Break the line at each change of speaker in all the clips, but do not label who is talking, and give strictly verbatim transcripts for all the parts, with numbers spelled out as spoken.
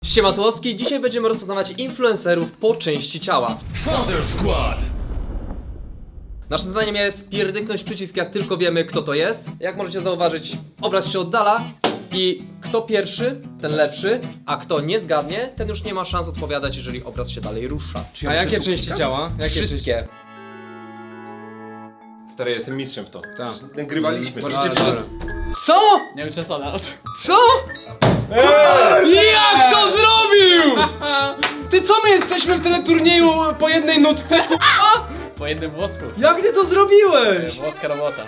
Siema Tłoski, dzisiaj będziemy rozpoznawać influencerów po części ciała.
Thunder Squad!
Naszym zadaniem jest pierdyknąć przycisk, jak tylko wiemy, kto to jest. Jak możecie zauważyć, obraz się oddala i kto pierwszy, ten lepszy, a kto nie zgadnie, ten już nie ma szans odpowiadać, jeżeli obraz się dalej rusza.
A jakie części ciała? Jakie
Wszystkie.
Stary, jestem mistrzem w to.
Tak.
Nagrywaliśmy.
Możecie
to.
przygotować.
Co?
Nie wiem, czy sada.
Co? Jak to zrobił? Ty co, my jesteśmy w teleturnieju po jednej nutce?
Po jednym włosku.
Jak ty to zrobiłeś?
Włoska robota.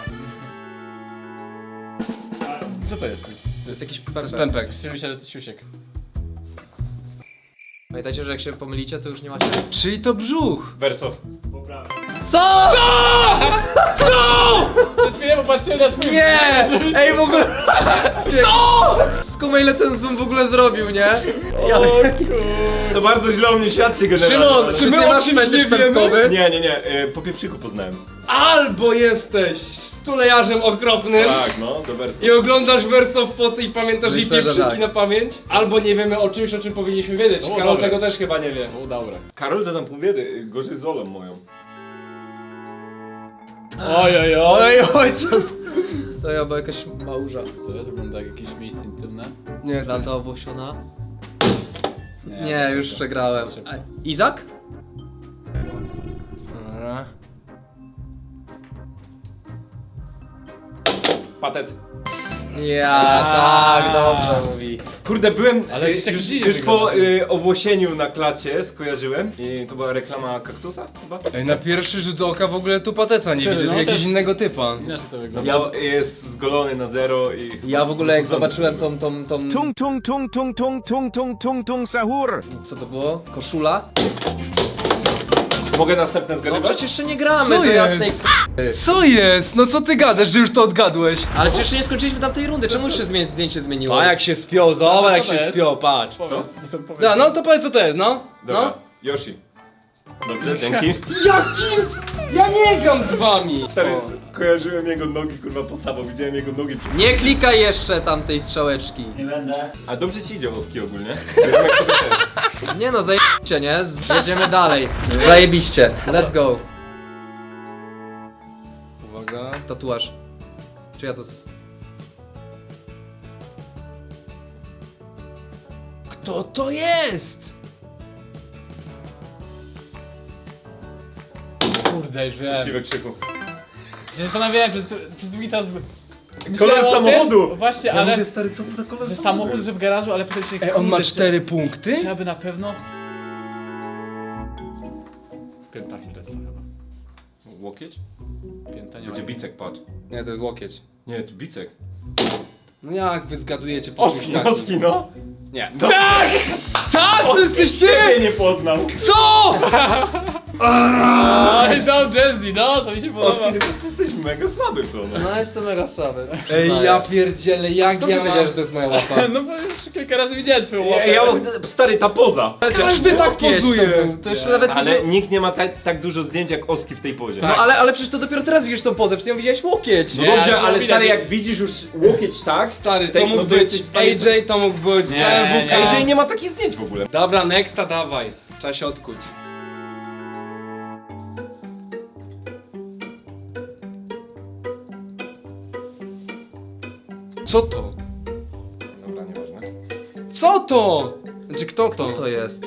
Co to jest?
To jest jakiś
To jest
pępek.
pępek.
Myślę, że to siusiek.
Pamiętajcie, że jak się pomylicie, to już nie macie...
Czyli to brzuch.
Wersow.
Co?
Przez chwilę popatrzyłem na swój...
Nie! Ej, w ogóle... Co? Skumaj, ile ten zoom w ogóle zrobił, nie? Ja...
To bardzo źle o mnie świadczy generalnie.
Szymon,
ale-
czy
my
ty
o
masz
czymś
fetysz
nie wiemy?
pępkowy?
Nie, nie, nie, e, po pieprzyku poznałem.
Albo jesteś stulejarzem okropnym
Tak, no, do Wersow.
i oglądasz Wersow foty i pamiętasz jej
Myślę, że
pieprzyki
tak.
na pamięć, albo nie wiemy o czymś, o czym powinniśmy wiedzieć.
No,
Karol
dobra.
tego też chyba nie wie.
O, dobra.
Karol, dodam pół biedy, y, gorzej z Olą moją.
Oj, oj, oj, oj, co?
To ja była jakaś małża.
Co jest? Wygląda jak jakieś miejsce intymne?
Nie, to
Lata owłosiona.
Nie,
Nie,
to
już
szybko.
przegrałem.
Szybko.
A, Izak?
Dobra.
Patec.
Ja, tak, dobrze mówi.
Kurde, byłem
Ale
y,
gdzieś tak
już,
dziwnie
już po
wygląda.
y, owłosieniu na klacie skojarzyłem. I to była reklama kaktusa chyba?
Ej, na pierwszy rzut oka w ogóle tu pateca nie
Serio,
widzę,
no
jakiegoś
też-
innego typa.
Inaczej to wygląda.
Ja jest zgolony na zero i...
Ja w ogóle jak zobaczyłem tą, tą, tą...
Tung tung tung tung tung tung tung tung tung sahur!
Co to było? Koszula?
Mogę następne
No
zgadywać?
przecież jeszcze nie gramy
Co
do
jest?
jasnej
Co jest? No co ty gadasz, że już to odgadłeś?
Ale przecież nie skończyliśmy tamtej rundy, czemu już się zmie- zdjęcie zmieniło?
A jak się spiął, zobacz jak
co
się
to jest?
spiął, patrz.
Powiedz, co? Powiedz.
Da, no to powiedz co to jest, no.
Dobra,
No.
Yoshi. Dobrze, dzięki.
Jakim? Ja nie gram z wami.
Stary, kojarzyłem jego nogi kurwa po samo, widziałem jego nogi przez...
Nie klikaj jeszcze tamtej strzałeczki.
A dobrze ci idzie Oski ogólnie. Wiem, jak to też.
Nie no, zajebiście, nie? Jedziemy dalej. Zajebiście. Let's go.
Uwaga.
Tatuaż. Czy ja to... s-
Kto to jest?
Kurde, już wiem.
Siwe krzyku.
Się zastanawiałem przez, przez długi czas... Myślałem
Kolor
o tym-
samochodu!
Właśnie,
Ja
ale...
mówię, stary, co to za kolor
Że
samochodu?
samochód, że w garażu, ale potem się...
Ej, on ma
kurde,
cztery punkty?
Trzeba by na pewno... Pięta Achillesa chyba.
Łokieć?
Pięta nie
Będzie
ma.
bicek, patrz.
Nie, to jest łokieć.
Nie, to bicek.
No jak wy zgadujecie po
Oski,
czymś takim?
Oski, no!
Nie.
No.
Tak! Tak, to jesteście!
Ciebie nie poznał!
Co?
Oj, no Jazzy, no, to mi się podoba.
Oski, ty po prostu jesteś mega słaby w to, no.
No jestem mega słaby.
Ej, ja pierdzielę, jak
Skąd ty
ja
wiedziałeś, że
mam...
to jest moja łapa?
No bo już kilka razy widziałem twoją łapę.
Ja, ja, stary, ta poza!
Każdy tak
Łokieć
pozuje.
To, był. To jeszcze nawet nie
Ale
było...
nikt nie ma tak, tak dużo zdjęć jak Oski w tej pozie.
No ale, ale przecież to dopiero teraz widzisz tą pozę, przecież ją widziałeś łokieć.
No
Nie,
dobrze,
ale
ale
widać,
stary,
że-
jak widzisz już łokieć tak,
Stary,
tej-
to mógł
no to
być
jesteś w stanie
A J, to mógł być
Nie,
C W K.
nie.
A J nie ma takich zdjęć w ogóle.
Dobra, nexta dawaj. Trzeba się odkuć. Co to?
Dobra, nieważne.
Co to? Znaczy kto to?
Co to jest?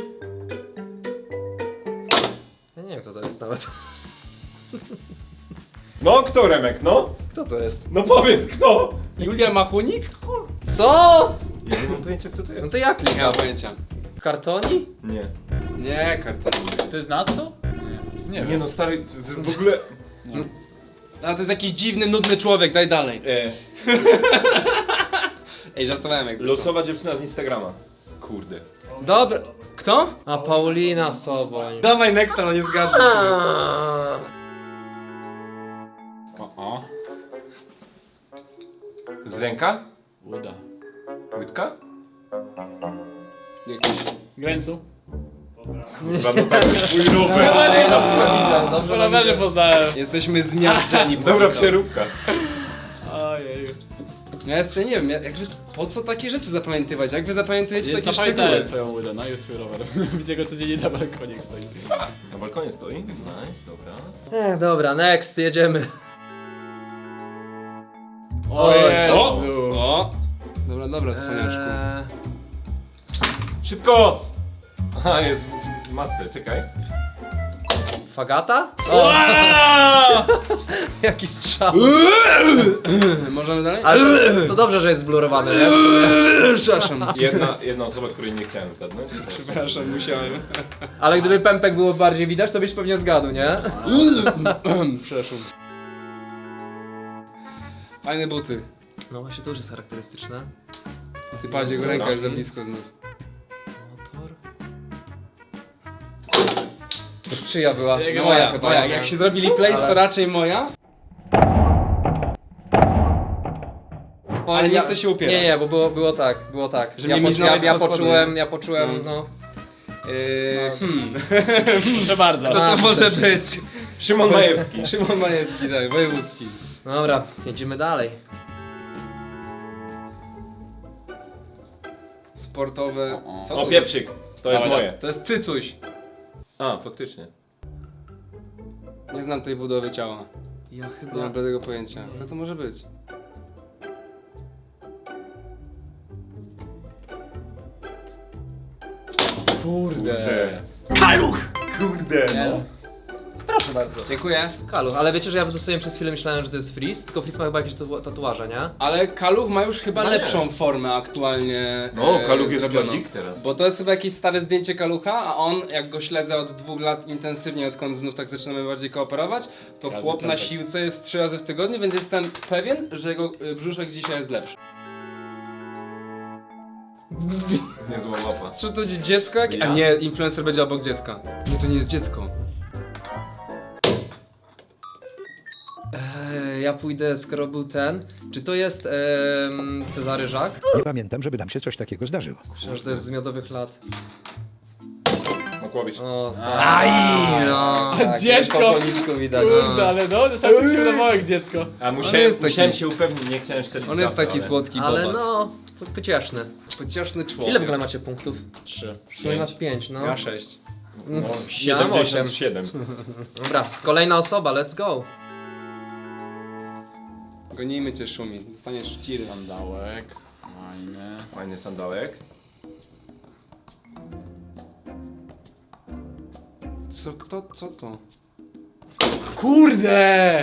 Ja nie wiem kto to jest nawet.
No, kto Remek, no?
Kto to jest?
No powiedz, kto?
Julia Machunik?
Co?
Ja nie mam pojęcia, kto to
No
jest.
to jak
Nie mam
klikam?
pojęcia.
Kartoni?
Nie.
Nie, karta.
Czy to jest na co? Nie, nie
Nie
wiem.
no, stary, z- w ogóle...
Nie.
A to jest jakiś dziwny, nudny człowiek, daj dalej.
E,
Ej, żartowałem jakby co.
losowa dziewczyna z Instagrama. Kurde.
Dobra. Kto?
A Paulina Soboń.
Dawaj nexta, no nie zgadzam się.
O, o.
Z ręka?
Uda.
Łydka?
Jakiś...
Glęcu?
Kurwa, no tak już mój rower.
Ej, dobrze nam idzie, dobrze
Po
nam
rowerze
idzie.
poznałem.
Jesteśmy zmiażdżeni.
Dobra, przeróbka.
Ojej.
Ja jestem, nie wiem, jakby Po co takie rzeczy zapamiętywać? Jak wy zapamiętujecie
Jest
takie
zapamiętałem
szczegóły?
swoją łydę, no i swój rower. Widzę go codziennie na balkonie stoi.
Na balkonie stoi? Nice, dobra.
E, dobra, next, jedziemy.
O
Oj,
Jezu.
O! o! Dobra, dobra, cwaniaszku.
Eee,
Szybko! Aha, jest w masce, czekaj.
Fagata? O, jaki strzał.
Możemy dalej?
Ale to, to dobrze, że jest zblurowane, nie?
Przepraszam.
Jedna, jedna osoba, której nie chciałem zgadnąć.
Przepraszam, musiałem.
Ale gdyby pępek było bardziej widać, to byś pewnie zgadł, nie?
Przepraszam. Fajne buty.
No właśnie to już jest charakterystyczne.
Ty patrz, jego ręka jest za blisko znów.
Motor. Czyja była?
Jego
No,
Moja,
chyba.
moja. Jak się zrobili place, to
Ale-
raczej moja.
O,
Ale nie
ja-
chcę się upierać.
Nie, nie, bo było, było tak, było tak.
Że
ja,
nie
po,
miznąłeś
ja, ja
na
poczułem,
spodnie.
ja poczułem,
No.
no.
Yy, hmm.
Proszę bardzo.
To to może być.
Szymon Majewski.
Szymon Majewski, tak, wojewódzki.
Dobra, jedziemy dalej.
Sportowe. Co
O,
to
pieprzyk. To jest
Dawaj,
moje.
To jest cycuś.
A, faktycznie.
Nie znam tej budowy ciała.
Ja
Nie
chyba...
mam bladego pojęcia. No to może być.
Kurde.
Kaluch! Kurde,
Nie?
no.
Proszę bardzo.
Dziękuję.
Kaluch, ale wiecie, że ja sobie przez chwilę myślałem, że to jest Freeze, tylko Freeze ma chyba jakieś tatu- tatuaże, nie?
Ale Kaluch ma już chyba
No nie.
lepszą formę aktualnie.
No,
e,
Kaluch jest
zrobioną.
kładzik teraz.
Bo to jest chyba jakieś stare zdjęcie Kalucha, a on, jak go śledzę od dwóch lat intensywnie, odkąd znów tak zaczynamy bardziej kooperować, to
Każdy
chłop na
piątek.
siłce jest trzy razy w tygodniu, więc jestem pewien, że jego y, brzuszek dzisiaj jest lepszy.
Niezła łapa.
Czy to będzie dziecko jakieś?
Ja?
A nie, influencer będzie obok dziecka. Nie, to nie jest dziecko.
Eee, ja pójdę, skoro był ten. Czy to jest em, Cezary Żak?
Nie pamiętam, żeby nam się coś takiego zdarzyło.
Myślę, że to jest z miodowych lat.
Makłowicz.
O,
Aj, no.
tak,
Dziecko!
Po policzku widać.
Kurde, ale no, sam się udawało jak dziecko.
A
On
musiałem,
jest taki-
musiałem się upewnić, nie chciałem szczerze
On jest
zgadnąć,
taki
ale...
słodki
Ale
bobas.
no, po- pocieszny.
Pocieszny człowiek.
Ile w ogóle macie punktów?
Trzy.
Czyli masz pięć, no.
Ja sześć.
No,
Ja mam osiem.
siedemdziesiąt siedem.
Dobra, kolejna osoba, let's go.
Gonijmy cię, Szumi. Dostaniesz szciry.
Sandałek. Fajny.
Fajny sandałek.
Co, kto, co to?
Kurde!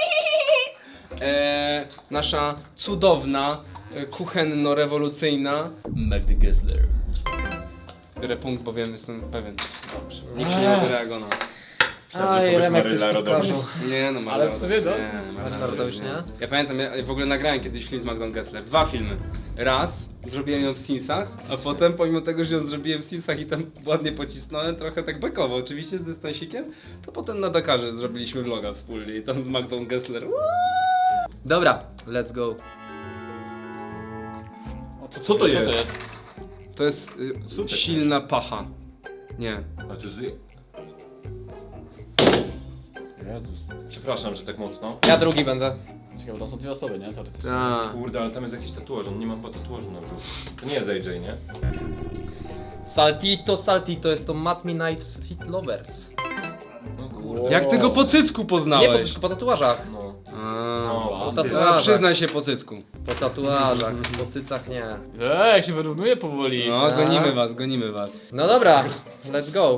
E, nasza cudowna, e, kuchenno-rewolucyjna
Magdy Gessler.
biorę punkt, bo wiem, jestem pewien. Dobrze. Nikt się nie odreagował. No.
Myślałem, że powiesz Maryla Rodowicz.
Nie no,
Ale w sumie
Rodowicz,
no.
nie,
Maryla Rodowicz, nie?
Ja pamiętam, ja w ogóle nagrałem kiedyś film z Magdą Gessler. Dwa filmy. Raz zrobiłem ją w Simsach, a potem pomimo tego, że ją zrobiłem w Simsach i tam ładnie pocisnąłem, trochę tak bekowo, oczywiście z dystansikiem, to potem na Dakarze zrobiliśmy vloga wspólnie i tam z Magdą Gessler.
Dobra, let's go.
O, co,
Co to jest?
To jest y,
Super
silna pacha. Nie.
A to jest...
Jezus.
Przepraszam, że tak mocno.
Ja drugi będę.
Czekaj, bo to są dwie osoby, nie? Teoretycznie.
A.
Kurde, ale tam jest jakiś tatuaż, on nie ma po tatuażu na brzuchu. To nie jest A J, nie?
Saltito, saltito, jest to Mat Me Knives Fit Lovers.
No kurde.
Jak ty go po cycku poznałeś?
Nie po cycku, po tatuażach.
No.
A,
No,
Po
a,
tatuażach.
przyznaj się po cycku.
Po tatuażach, po cycach nie.
Eee, jak się wyrównuje powoli.
No, gonimy was, gonimy was.
No dobra, let's go.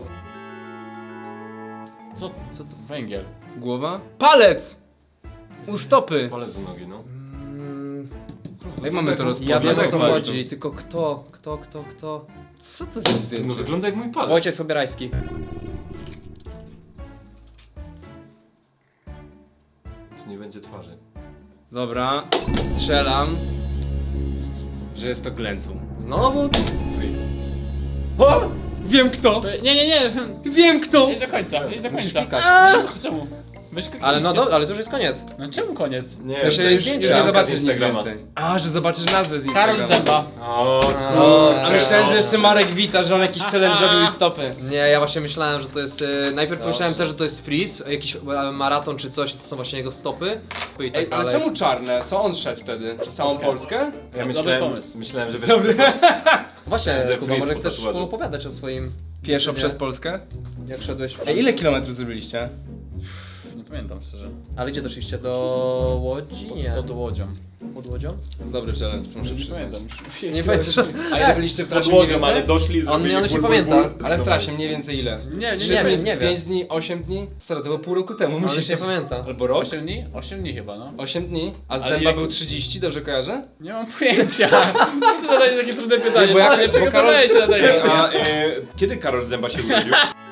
Co, co to? Węgiel.
Głowa? Palec! U stopy!
Palec u nogi, no.
Mm,
Jak mamy to rozpoznać?
ja wiem o
tak
co
bardzo.
chodzi, tylko kto, kto, kto, kto?
Co to za
No
zdjęcie?
wygląda jak mój palec.
Wojciech Sobierajski.
Nie będzie twarzy.
Dobra, strzelam, że jest to Glencu.
Znowu?
Freeze.
O! Wiem kto!
To, nie, nie, nie.
Wiem kto!
Idź do końca, idź do
Musisz
końca.
klikać.
Eee! Czemu? Myś
Ale no
kliknęliście.
do, ale to już jest koniec.
No czemu koniec?
Nie,
W sensie
to
już,
jest
już nie
ramka z
zobaczysz nic
Instagrama.
więcej. A, że zobaczysz nazwę z
Karol
Instagrama.
Zdęba.
O,
O,
A myślałem, że jeszcze Marek wita, że on jakiś challenge robił i stopy.
Nie, ja właśnie myślałem, że to jest. E, najpierw pomyślałem też, że to jest freeze, jakiś e, maraton czy coś, to są właśnie jego stopy. I tak
Ej, ale
dalej.
czemu czarne? Co on szedł wtedy? Całą Polskę?
ja
Dobry
myślałem,
pomysł.
myślałem, że wiesz...
Właśnie,
że
Kuba,
freeze
może
po
chcesz
tatuażu.
opowiadać o swoim.
Pieszo
nie?
przez Polskę?
Jak szedłeś.
Ej, ile kilometrów zrobiliście?
Nie pamiętam szczerze.
Ale gdzie doszliście? Do Łodzi? Nie.
Pod Łodzią.
Pod Łodzią?
Dobry challenge, muszę
Nie
przyznać.
pamiętam.
Nie pamiętasz.
A ile byliście w
Pod
trasie mniej
łodzią,
więcej?
ale doszli, zrobili
on się
ból, ból,
pamięta.
ból.
Ale w trasie mniej więcej ile?
Nie, nie,
Trzy
nie.
wiem,
dni,
nie wiem.
pięć dni, osiem dni? Stary, to było pół roku temu,
On
musisz
się nie pamięta.
Albo rok?
osiem dni? osiem dni chyba, no.
osiem dni? A z
Ale
dęba
jak-
był trzydzieści, dobrze kojarzę?
Nie mam pojęcia. Co ty zadajesz takie trudne pytanie?
Nie, bo jak-
Co, nie
bo
przygotowałeś się na tego.
A e, kiedy Karol Zdęba się urodził?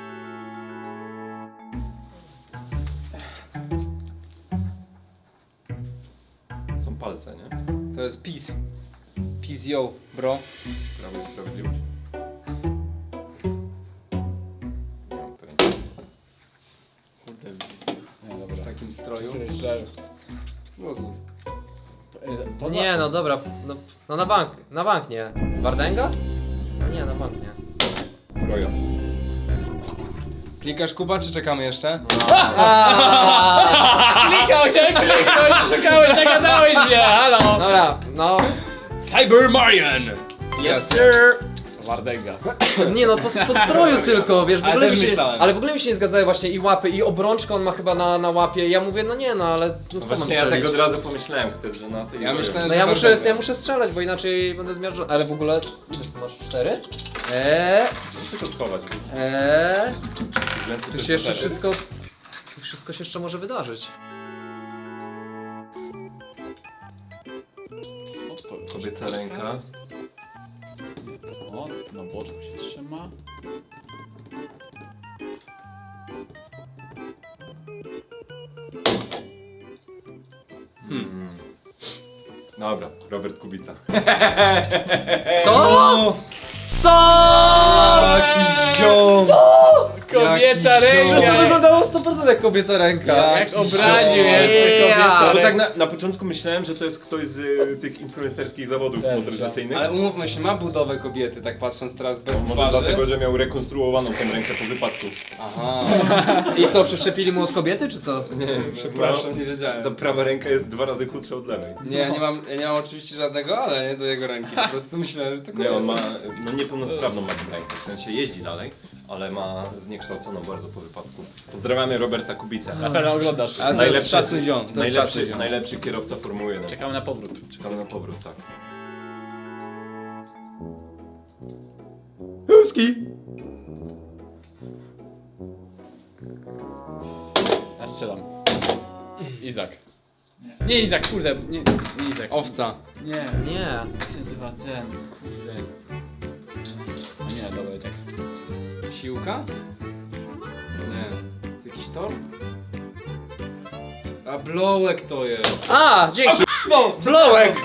Są palce, nie?
To jest peace. Peace yo, bro.
Prawo i Sprawiedliwość. Nie mam pojęcia.
Kurde,
Nie, dobra.
w takim stroju.
Źle.
Jezus.
Poza...
Nie, no dobra. No, no na bank. Na bank nie. Wardęga? No nie, na bank nie.
Rojo.
Klikasz Kuba, czy czekamy jeszcze?
Klikał się, kliknął, szukałeś, zagadałeś mnie, halo.
Dobra, no.
Cyber Marian!
Yes sir!
Wardęga.
Nie no, po, po stroju tylko, wiesz, w
Ale
ogóle
też
mi się,
myślałem.
ale w ogóle mi się nie zgadzały właśnie i łapy, i obrączkę on ma chyba na, na łapie. Ja mówię, no nie no, ale no co mam
Właśnie ja
strzelić?
tego od razu pomyślałem, kto jest żonaty i
Ja
rojo.
myślałem,
No
że
ja muszę,
Wardęga.
ja muszę strzelać, bo inaczej będę zmiażdżony. Ale w ogóle, ile ty masz? Cztery? Eee,
Muszę to schować, bo
eee,
więcej
tu
to
się jeszcze
cztery.
wszystko, tu wszystko się jeszcze może wydarzyć.
O, to
Kobieca ręka.
O, na boczku się trzyma.
Hmm. Dobra, Robert Kubica.
Co? Co?
Jaki ziom!
Kobieca
Jaki
Przecież to
ręka!
wyglądało sto procent jak kobieca ręka.
Jak obraził jeszcze
Ja.
kobieca
Bo tak
ręka.
na, na początku myślałem, że to jest ktoś z y, tych influencerskich zawodów
Też,
motoryzacyjnych.
Ale umówmy się, ma budowę kobiety, tak patrząc teraz bez
Może
twarzy.
dlatego, że miał rekonstruowaną tę rękę po wypadku.
Aha,
I co, przeszczepili mu od kobiety, czy co?
Nie,
przepraszam, nie wiedziałem.
Ta prawa ręka jest dwa razy chudsza od lewej.
Nie, ja nie mam, ja nie mam oczywiście żadnego, ale nie do jego ręki. Po prostu myślałem, że to
Nie, on ma
kobieta.
no, niepełnosprawną ma tę rękę, w sensie jeździ dalej, ale ma zniekształconą bardzo po wypadku. Pozdrawiamy Roberta Kubicę.
Na pewno oglądasz.
Ale to
najlepszy-
jest szacun ziom. To jest
Najlepszy,
szacun ziom.
najlepszy kierowca Formuły jeden.
Czekamy na powrót.
Czekamy na powrót, tak.
Huski!
Ja strzelam. Izak. Nie Izak, kurde, nie, nie Izak.
Owca.
Nie,
Nie.
jak się nazywa ten, kurde. No nie, dobra, i tak.
Siłka? Nie. To jakiś tor? A blołek to jest.
A, dzięki! Blołek!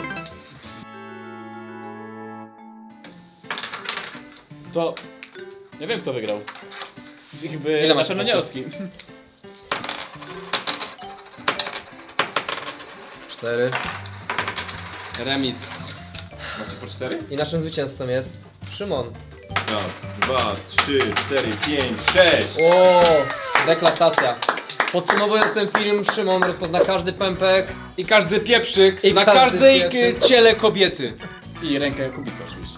To... Nie wiem kto wygrał. Chyba
Ile
na
masz
pewno
punktów?
Nielski.
Cztery.
Remis.
Macie po cztery?
I naszym zwycięzcą jest Szymon.
Raz, dwa, trzy, cztery, pięć, sześć!
O, deklasacja. Podsumowując ten film, Szymon rozpozna każdy pępek.
I każdy pieprzyk
I
na
każdy
każdej
pieprzyk.
k- ciele kobiety.
I rękę Kubica oczywiście.